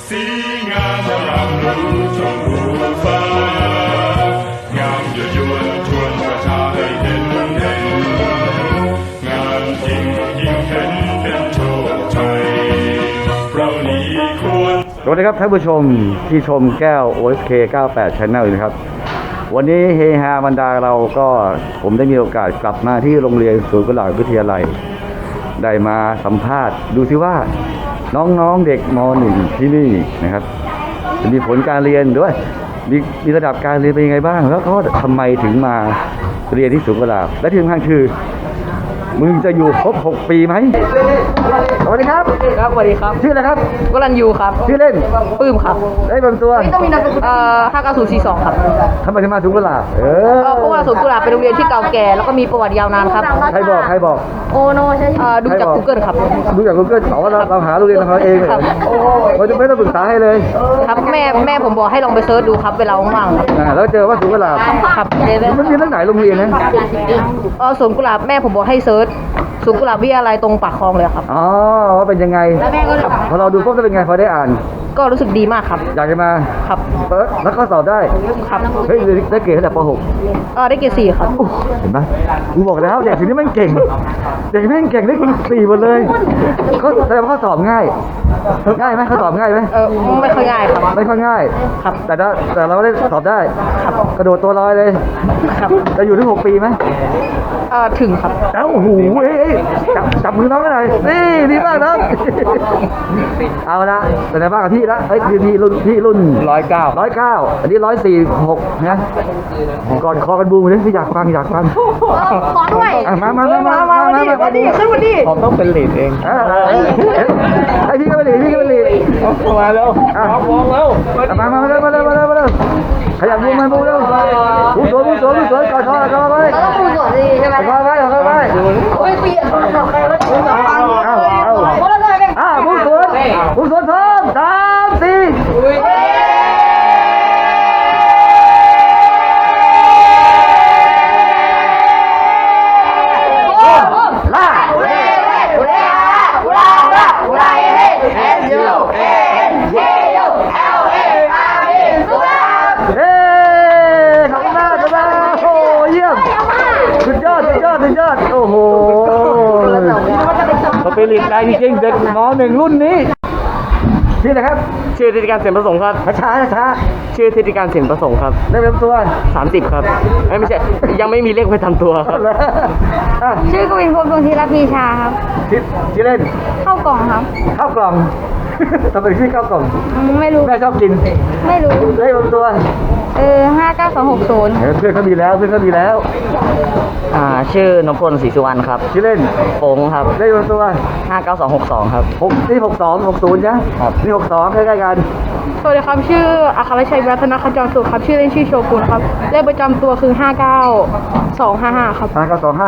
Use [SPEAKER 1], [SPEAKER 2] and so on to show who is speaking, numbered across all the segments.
[SPEAKER 1] สีงามอร่ำรู้ชมพูฟ้างามยั่วยวนชวนประชาให้เห็นงามจริงยิ่งเห็นเป็นโชคชัยเรานี้ควร
[SPEAKER 2] สวัสดีครับท่านผู้ชมที่ชมแก้ว OSK 98 Channel อยู่นะครับวันนี้เฮฮาบรรดาเราก็ผมได้มีโอกาสกลับมาที่โรงเรียนศูนย์กุหลาบวิทยาลัยได้มาสัมภาษณ์ดูซิว่าน้องๆเด็กม .1 ที่นี่นะครับจะมีผลการเรียนด้วยมีระดับการเรียนเป็นยังไงบ้างแล้วก็ทำไมถึงมาเรียนที่ศูนย์กุหลาบและที่สำคัญคือมึงจะอยู่ครบ6 ปีไหมสวัสดีครับ
[SPEAKER 3] ครับสวัสดีครับ
[SPEAKER 2] ชื่ออะไรครับ
[SPEAKER 3] วรัญยูครับ
[SPEAKER 2] ชื่อเล่น
[SPEAKER 3] ปื้มครับ
[SPEAKER 2] ได้บางตัว
[SPEAKER 3] ต้องมีนามสกุล59042ครับ
[SPEAKER 2] ทำไมถึงมาศูนย์กุหลาบ
[SPEAKER 3] เพราะว่าศูนย์กุหลาบเป็นโรงเรียนที่เก่าแก่แล้วก็มีประวัติยาวนานครับ
[SPEAKER 2] ใครบอก
[SPEAKER 3] โอโนใช่ดูจาก Google ครับ
[SPEAKER 2] ดูจาก Google บอกว่าเราหาโรงเรียนของเราเองเลย
[SPEAKER 3] ครับ
[SPEAKER 2] เราจะไม่ต้องปรึกษาให้เลย
[SPEAKER 3] ครับแม่ผมบอกให้ลองไปเซิร์ชดูครับเวลาว่างๆครับ
[SPEAKER 2] แล้วเจอว่าศูนย์กุหลาบ
[SPEAKER 3] ครับ
[SPEAKER 2] มันมีตั้งไหนโรงเรียนนะ
[SPEAKER 3] ศูนย์กุหลาบแม่ผมบอกให้เซิร์ชศูนย์กุหลาบวิทยาลัยตรงปากคลองเลยครับ
[SPEAKER 2] อ๋อว่าเป็นยังไง
[SPEAKER 3] แล้วแม่ก็
[SPEAKER 2] พอเราดูปุ๊บจะเป็นไงพอได้อ่าน
[SPEAKER 3] ก็รู้สึกดีมากครับ
[SPEAKER 2] อยากจะมา
[SPEAKER 3] ครับ
[SPEAKER 2] แล้วก็สอบได้
[SPEAKER 3] ครับ
[SPEAKER 2] เฮ้ยได้เกรดตั้งแต่ป .6
[SPEAKER 3] ได้เกรด4ครับ
[SPEAKER 2] เห็นไหมกูบอกแล้วเด็กทีนี้แม่งเก่งเด็กแม่งเก่งได้4หมดเลยเขาแสดงว่าเขาสอบง่ายไหมเขาสอบง่ายไหม
[SPEAKER 3] ไม่ค่อยง่ายครับ
[SPEAKER 2] ไม่ค่อยง่าย
[SPEAKER 3] ครับ
[SPEAKER 2] แต่เราได้สอบได้
[SPEAKER 3] ครับ
[SPEAKER 2] กระโดดตัวลอยเลย
[SPEAKER 3] ครับ
[SPEAKER 2] จะอยู่ถึง6 ปีไหม
[SPEAKER 3] ถึงครับ
[SPEAKER 2] โอ้โหจับมือน้องกันหน่อยนี่ดีมากน้องเอาละเป็นไงบ้างกับพี่ละพี่รุ่น109อันนี้146นะก่อนคอกันบูมเลยพี่อยากฟัง
[SPEAKER 3] ขอด้วย
[SPEAKER 2] มา
[SPEAKER 3] ดิขึ้นมาดิ
[SPEAKER 4] ผมต้องเป็นลีดเอง
[SPEAKER 2] ให้พี่ก็ไปหลี
[SPEAKER 4] มาแล้วมองแล้ว
[SPEAKER 2] มาเร็วขยับบูมเร็วบูมสวยก่อนคอไว้
[SPEAKER 3] ต้องพูดก่อนดีใช่ไหม
[SPEAKER 2] คอไว้
[SPEAKER 3] โอ้ยเปลี่ยนใครแล้วถึง3 อันเพราะเราได้เป็น
[SPEAKER 2] บูมสวนพร้อม3 4สุดยอดโอ้โหสปิริตได้จริงๆเด็กม.1 รุ่นนี้ชื่ออะไรครับ
[SPEAKER 4] ชื่อธิติการเสียนประสงค์ครับ
[SPEAKER 2] ช้า
[SPEAKER 4] ชื่อธิติการเสียนประสงค์ครับ
[SPEAKER 2] ได้เป็นตัว
[SPEAKER 4] 30ครับไม่ใช่ยังไม่มีเลขไปทำตัวครับ
[SPEAKER 5] ชื่อกวินพงศ์ดวงธีรพีชาครับ
[SPEAKER 2] ที่เล่น
[SPEAKER 5] เข้ากล่องครับ
[SPEAKER 2] ข้าวกล่องทำไมชื่อข้าวกล่อง
[SPEAKER 5] ไม่รู้
[SPEAKER 2] แม่ชอบกิน
[SPEAKER 5] ไม่รู้
[SPEAKER 2] ได้เป็นตัว
[SPEAKER 5] 59260
[SPEAKER 2] เพื่อนเขามีแล้ว
[SPEAKER 4] ชื่อนพพลศรีสุวรรณครับ
[SPEAKER 2] ที่เล่น
[SPEAKER 4] โปงครับ
[SPEAKER 2] ได้เป็นตัว
[SPEAKER 4] 59262ครับ
[SPEAKER 2] นี่62 นะนี่62ใกล้ๆกัน
[SPEAKER 5] สวัสดีครับ ชื่ออัครชัยรัตนขจรสุขครับ ชื่อเล่นชื่อโชกุนครับ เลขประจำตัวคือ 59255 ครับ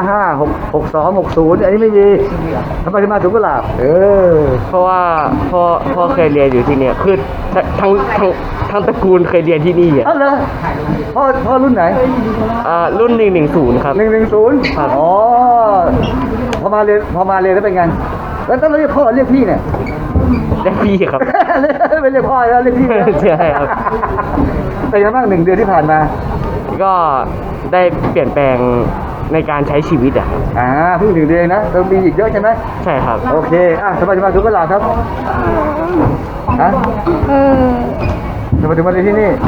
[SPEAKER 2] 59255 6260อันนี้ไม่มีทำไมถึงมาศูนย์กุหลาบ
[SPEAKER 4] เพราะว่าพ่อเคยเรียนอยู่ที่เนี่ยคือทั้งตระกูลเคยเรียนที่นี่อ่ะ
[SPEAKER 2] เหรอพ่อรุ่นไหน
[SPEAKER 4] รุ่น110ครับ
[SPEAKER 2] 110ครับอ๋อพอมาเรียนแล้วเป็นไงแล้วต้องเรียกพ่อเรียกพี่เนี่ย
[SPEAKER 4] ได้พี่ครับ
[SPEAKER 2] ไม่เรียกพ่อแล้วเรียกพี่
[SPEAKER 4] ใช่ครับ
[SPEAKER 2] เป็นยังไงบ้าง1 เดือนที่ผ่านมา
[SPEAKER 4] ก็ได้เปลี่ยนแปลงในการใช้ชีวิตอ่ะ
[SPEAKER 2] เพิ่ง1 เดือนนะต้องมีอีกเยอะใช่ไหม
[SPEAKER 4] ใช่ครับ
[SPEAKER 2] โอเคทำไมถึงมาศูนย์กุหลาบครับทำไมถึงมาเรียนที่นี่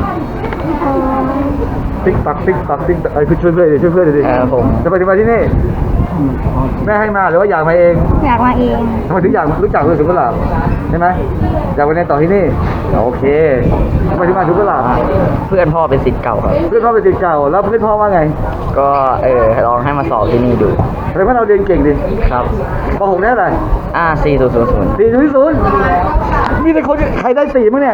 [SPEAKER 2] ติ๊กตักคือช่วยเพื่อนดิ
[SPEAKER 4] ผม
[SPEAKER 2] ทำไมถึงมาที่นี่แม่ให้มาหรือว่าอยากมาเอง
[SPEAKER 5] อยากมาเอง
[SPEAKER 2] ทำไมถึงอยากรู้จักศูนย์กุหลาบใช่ไหมอยากมาเรียนต่อที่นี่โอเคทำไมถึงมาศูนย์กุหลาบ
[SPEAKER 4] เพื่อนพ่อเป็นศิษย์เก่าครับ
[SPEAKER 2] เพื่อนพ่อเป็นศิษย์เก่าแล้วเพื่อนพ่อว่าไง
[SPEAKER 4] ก็ลองให้มาสอบที่นี่ดู
[SPEAKER 2] แสดงว่าเราเรียนเก่งดิ
[SPEAKER 4] ครับ
[SPEAKER 2] ป .6 ได้อะไร
[SPEAKER 4] 4000
[SPEAKER 2] 4.0มีแต่คนใครได้4มั้งเนี่ย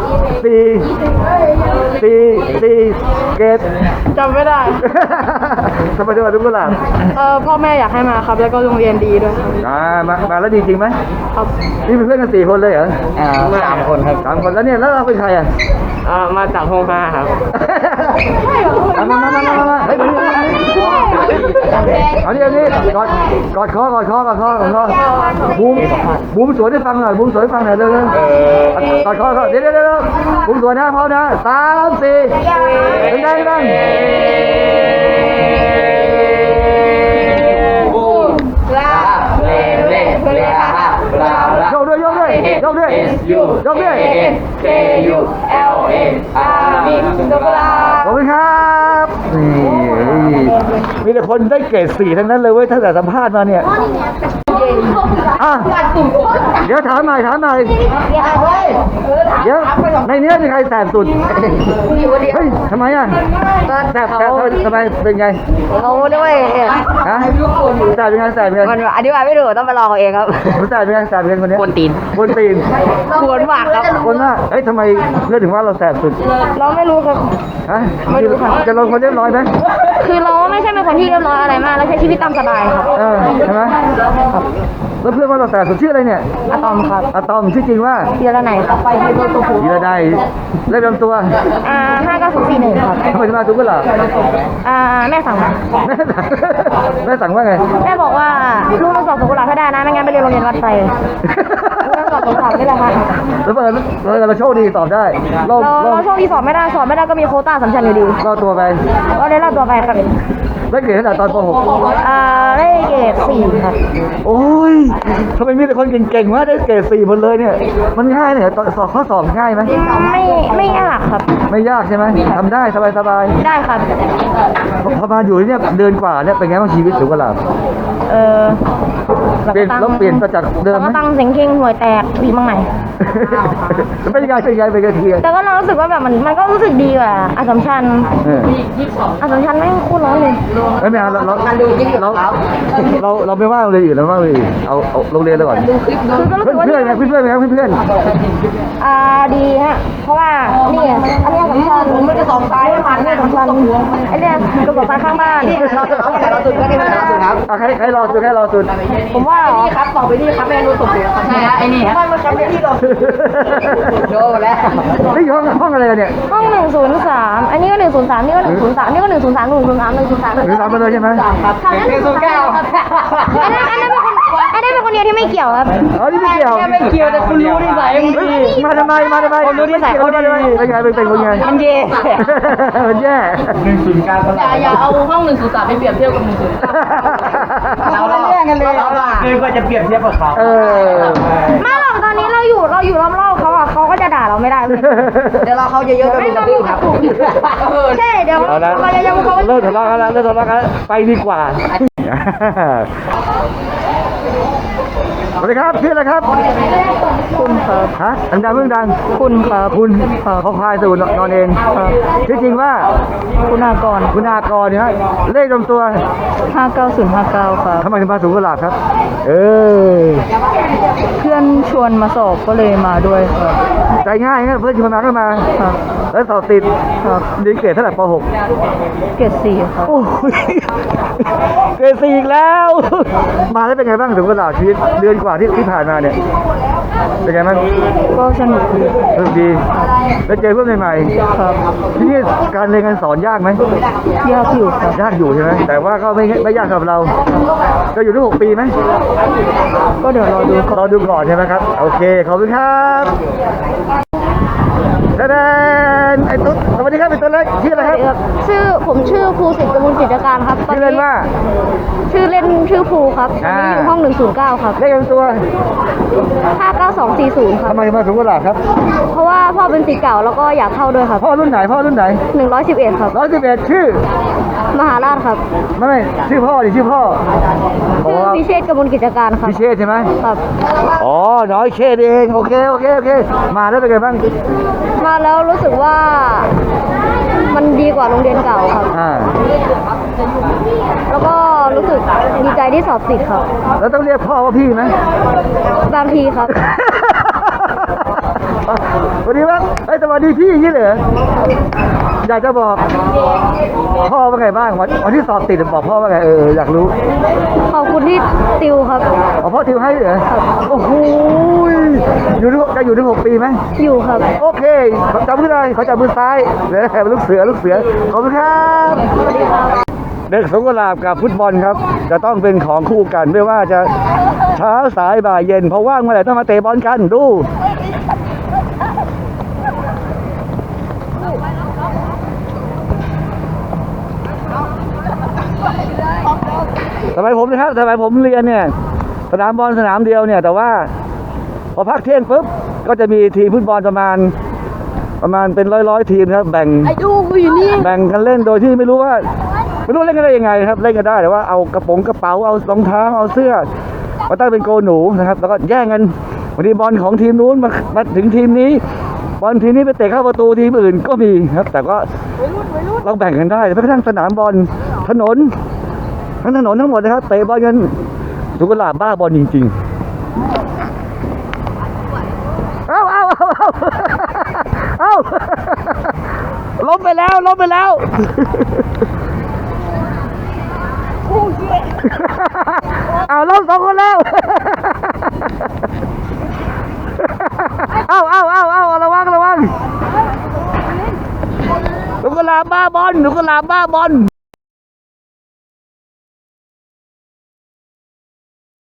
[SPEAKER 2] 4เกรด
[SPEAKER 5] จำไม่ได้
[SPEAKER 2] ทำไมถึงมาศูนย์กุหลาบ
[SPEAKER 5] พ่อแม่อยากให้มาครับ แล้วก็โรงเรียนดีด้วยครับ
[SPEAKER 2] มาแล้วดีจริงไหม
[SPEAKER 5] ครับ
[SPEAKER 2] นี่เป็นเพื่อนกัน4 คนเลยเหรอ
[SPEAKER 4] 3 คนครับ
[SPEAKER 2] 3 คนแล้วเนี่ยแล้วเราเป็นใครอ่ะ
[SPEAKER 4] มาจากห้อง5ครับ
[SPEAKER 2] มาเฮ้ยเอาดิกอดคอบูมสวนให้ฟังหน่อยเร็วกอดคอเดี๋ยวผมสวยนะพร้อมนะ3 4ดังยกด้วยขอบคุณครับนี่มีแต่คนได้เกรด4ทั้งนั้นเลยเว้ยตั้งแต่สัมภาษณ์มาเนี่ยอ่ะเดี๋ยวถามหน่อยเดี๋ยวในนี้มีใครแสบสุดเฮ้ยทำไมอ่ะแสบทำไมเป็นไง
[SPEAKER 3] เขาด้วย
[SPEAKER 2] ฮะแสบเป็นไง
[SPEAKER 3] มันอธิบายไม่ถูกต้องไปลองเอาเองครับ
[SPEAKER 2] แสบเป็นไงคนนี้
[SPEAKER 4] กวนตีน
[SPEAKER 2] บนตีน
[SPEAKER 3] กวนมากครับ
[SPEAKER 2] คนว่าเอ้ยทำไมเลือกถึงว่าเราแสบสุด
[SPEAKER 5] เราไม่รู้ครับ
[SPEAKER 2] ฮะจะลงคนเรียบร้อยไหม
[SPEAKER 5] คือเราไม่ใช่เป็นคนที่เรียบร้อยอะไรมากแล้วใช้ชีวิตตามสบายครับ
[SPEAKER 2] ใช่ไหมแล้วเพื่อนว่าเราแสบสุดชื่ออะไรเนี่ย
[SPEAKER 5] อะตอมครับ
[SPEAKER 2] อะตอมชื่อจริงว่า
[SPEAKER 5] เทียร์ไหนครับ
[SPEAKER 2] ยีระได้เล่นลำตัว
[SPEAKER 5] 59041ครับ
[SPEAKER 2] ทำไมถึงมาทุกข์กันล่ะ
[SPEAKER 5] แม่สั่งมา
[SPEAKER 2] แม่สั่งว่าไง
[SPEAKER 5] แม่บอกว่าลูกต้องสอบสกุลาให้ได้นะไม่งั้นไปเรียนโรงเรียนวัดไทยลูกต้องสอบสอบนี่แหละค่ะ
[SPEAKER 2] แล้วเราโชคดีตอบได้เรา
[SPEAKER 5] เราโชคดีสอบไม่ได้ก็มีโควต้าสำคัญอยู่ดี
[SPEAKER 2] เราตัวไป
[SPEAKER 5] ก็เลยรอดตัวไปครับ
[SPEAKER 2] ได้เกรดขนาดตอนป
[SPEAKER 5] ได้เกรด4ครับ
[SPEAKER 2] .6 โอ้ยทำไมมีแต่คนเก่งๆวะได้เกรด4หมดเลยเนี่ยมันง่ายเนี่ยข้อสอบง่ายไหม
[SPEAKER 5] ไม่ยากครับ
[SPEAKER 2] ไม่ยากใช่ไหมทำได้สบาย
[SPEAKER 5] ได้ครับ
[SPEAKER 2] พอมาอยู่ที่เนี่ยเดือนกว่าเนี่ยเป็นไงบ้างชีวิตสุขลาภ เปลี่ยนเราเปลี่ยนมาจากเดิมไหม
[SPEAKER 5] ก็ตั้งเสียงเข่งห่วยแตกดีมากไหม
[SPEAKER 2] เป็นยังไงเทีย
[SPEAKER 5] แต่ก็เรารู้สึกว่าแบบมันก็รู้สึกดีกว่าอัสสัมชัญอัสสัมชัญไม่งโคตรร้อนเลย
[SPEAKER 2] ไม่เอาเราไม่ว่าโรงเรียนอื่นเราว่าโรงเรียนอื่นเอาโรงเรียนเราก่อน
[SPEAKER 5] คือก็รู้สึกว่า
[SPEAKER 2] เพื่อนเพื่อน
[SPEAKER 5] ดีฮะเพราะว่านี่อันนี้อัสสัมชัญมันจะสอบซ้ายผ่านนี่อัสสัมชัญไอ้เนี่ยกระสอบซ้ายข้างบ้าน
[SPEAKER 2] ใครรอสุด
[SPEAKER 5] ผมว่าเหรอ
[SPEAKER 3] ครับต่อไปนี่ครับแม่รู้ตกเสียครับใช่ไอ้นี่มันมาทำในที่เราโดนแล้ว
[SPEAKER 2] นี่ห้องอะไรกันเนี่ย
[SPEAKER 5] ห้อง103อันนี้ก็103นี่ก็103นี่ก็103 103 103
[SPEAKER 2] หรือรับมาเลยใช่ไหม
[SPEAKER 5] ครับอันนั้นเป็นคนเดียวที่ไม่เกี่ยวครับ
[SPEAKER 2] อ๋อนี่ไม่เกี่ยว
[SPEAKER 3] ไม่เกี่ยวแต่คุณรู้นิสัยมึงดี
[SPEAKER 2] มาทำไมคนรู้นิสัยเขาเป็นไงเป็นคนไง
[SPEAKER 3] มันเย่
[SPEAKER 2] มันแย่
[SPEAKER 3] อย่าเอาห้อง103ไปเปรียบเทียบกับ103เราแย่งกันเลยคือก็จะเปรียบเทียบกับเขา
[SPEAKER 5] ไม่หรอกตอนนี้เราอยู่รอบๆเขาอ่ะเขาก็จะด่าเราไม่ได้เลย
[SPEAKER 3] เดี๋ยวเราเขาเยอะๆกันดูครับ
[SPEAKER 5] ใช่เดี๋ยว
[SPEAKER 2] เอาละ
[SPEAKER 5] เราจะยังเขา
[SPEAKER 2] เลิกทะเลาะกันแล้วไปดีกว่าสวัสดีครับชื่ออะไรครับ
[SPEAKER 5] คุณครับ
[SPEAKER 2] ฮะดังเพิ่งดัง
[SPEAKER 5] คุณครับ
[SPEAKER 2] คุณเขาคลายสูตรนอนเองที่จริงว่า
[SPEAKER 5] คุณากร
[SPEAKER 2] คุณากรเนี่ยเลขลำตัว
[SPEAKER 5] 59059ครับ
[SPEAKER 2] ทำไมถึงมาสูงกว่าหลักครับ
[SPEAKER 5] เพื่อนชวนมาสอบก็เลยมาด้วยครับ
[SPEAKER 2] ใจง่ายนะเพื่อนชวนมาก็มา
[SPEAKER 5] ครับ
[SPEAKER 2] แล้วสอบติดดีเกรดเท่าไหร่ป .6
[SPEAKER 5] เกรด4ครับ
[SPEAKER 2] โอ้ยเกรด4อีกแล้ว มาแล้วเป็นไงบ้างสูงกว่าหลักชีวิตเดือนกว่าที่ผ่านมาเนี่ยเป็นไงบ้าง
[SPEAKER 5] ก็สนุกดี
[SPEAKER 2] สนุกดีแล้วเจอเพื่อนใหม่ๆ
[SPEAKER 5] ครับ
[SPEAKER 2] ที่นี่การเรียนการสอนยากไหม
[SPEAKER 5] ยากอยู่ครับ
[SPEAKER 2] ยากอยู่ใช่ไหมแต่ว่าก็ไม่ยากสำหรับเราจะอยู่ได้6 ปีไหม
[SPEAKER 5] ก็เดี๋ยวรอดูครับ
[SPEAKER 2] รอดูก่อนใช่ไหมครับโอเคขอบคุณครับแสดงไอ้ตุ๊ดสวัสดีครับไอ้ตุ๊ดเล็กชื่ออะไรครับ
[SPEAKER 5] ผมชื่อภูสิทธิ์กมลกิจการครับ
[SPEAKER 2] ชื่อเล่นว่า
[SPEAKER 5] ชื่อเล่นชื่อภูครับตอนนี้อยู่ห้อง109ครับ
[SPEAKER 2] เลขลำตัว
[SPEAKER 5] 59240ครับ
[SPEAKER 2] ทำไมมาสูงกว่าหลักครับ
[SPEAKER 5] เพราะว่าพ่อเป็นศิษย์เก่าแล้วก็อยากเข้าด้วยครับ
[SPEAKER 2] พ่อรุ่นไหน
[SPEAKER 5] 111ครับ
[SPEAKER 2] 111ชื่อ
[SPEAKER 5] มหาราชครับ
[SPEAKER 2] ไม่ชื่อพ่อดิชื่อพ่อ
[SPEAKER 5] ชื่อพิเชษฐ์กมลกิจการครับ
[SPEAKER 2] พิเชษใช่ไหม
[SPEAKER 5] ครับ
[SPEAKER 2] อ๋อน้อยเชษเองโอเคมาแล้วเป็นไงบ้าง
[SPEAKER 5] มาแล้วรู้สึกว่ามันดีกว่าโรงเรียนเก่าครับ แล้วก็รู้สึกดีใจที่สอบติดครับ
[SPEAKER 2] แล้วต้องเรียกพ่อว่าพี่ไหม
[SPEAKER 5] บางทีครับ
[SPEAKER 2] สวัสดีครับสวัสดีพี่อย่างนี้เหรออยากจะบอกพ่อว่าไงบ้างวันที่สอบติดบอกพ่อว่าไงอยากรู้
[SPEAKER 5] ขอบคุณที่ติวครับ
[SPEAKER 2] พ่อติวให้เหรอโอ้โหจะอยู่ที่6 ปีไหม
[SPEAKER 5] อยู่ครับ
[SPEAKER 2] โอเคจับมือเลยเขาจับมือซ้ายเดี๋ยวลูกเสือขอบคุณครับเด็กสวนกุหลาบกับฟุตบอลครับ จะต้องเป็นของคู่กันไม่ว่าจะเช้าสายบ่ายเย็นพอว่างเมื่อไหร่ต้องมาเตะบอลกันดู สมัยผมนะครับสมัยผมเรียนเนี่ยสนามบอลสนามเดียวเนี่ยแต่ว่าพอพักเที่ยงปุ๊บก็จะมีทีมฟุตบอลประมาณเป็นร้อยทีมครับแบ่งกันเล่นโดยที่ไม่รู้เล่นกันได้ยังไงครับเล่นกันได้แต่ว่าเอากระเป๋าเอารองเท้าเอาเสื้อมาตั้งเป็นโกหนูนะครับแล้วก็แย่งกันวันนี้บอลของทีมนู้นมาถึงทีมนี้บอลทีมนี้ไปเตะเข้าประตูทีมอื่นก็มีครับแต่ก็เราแบ่งกันได้แม้กระทั่งสนามบอลถนนทั้งหมดนะครับเตะบอลกันสวนกุหลาบบ้าบอลจริงๆเอาล้มไปแล้วเอาล้มสองคนแล้วเอาระวังสวนกุหลาบบ้าบอล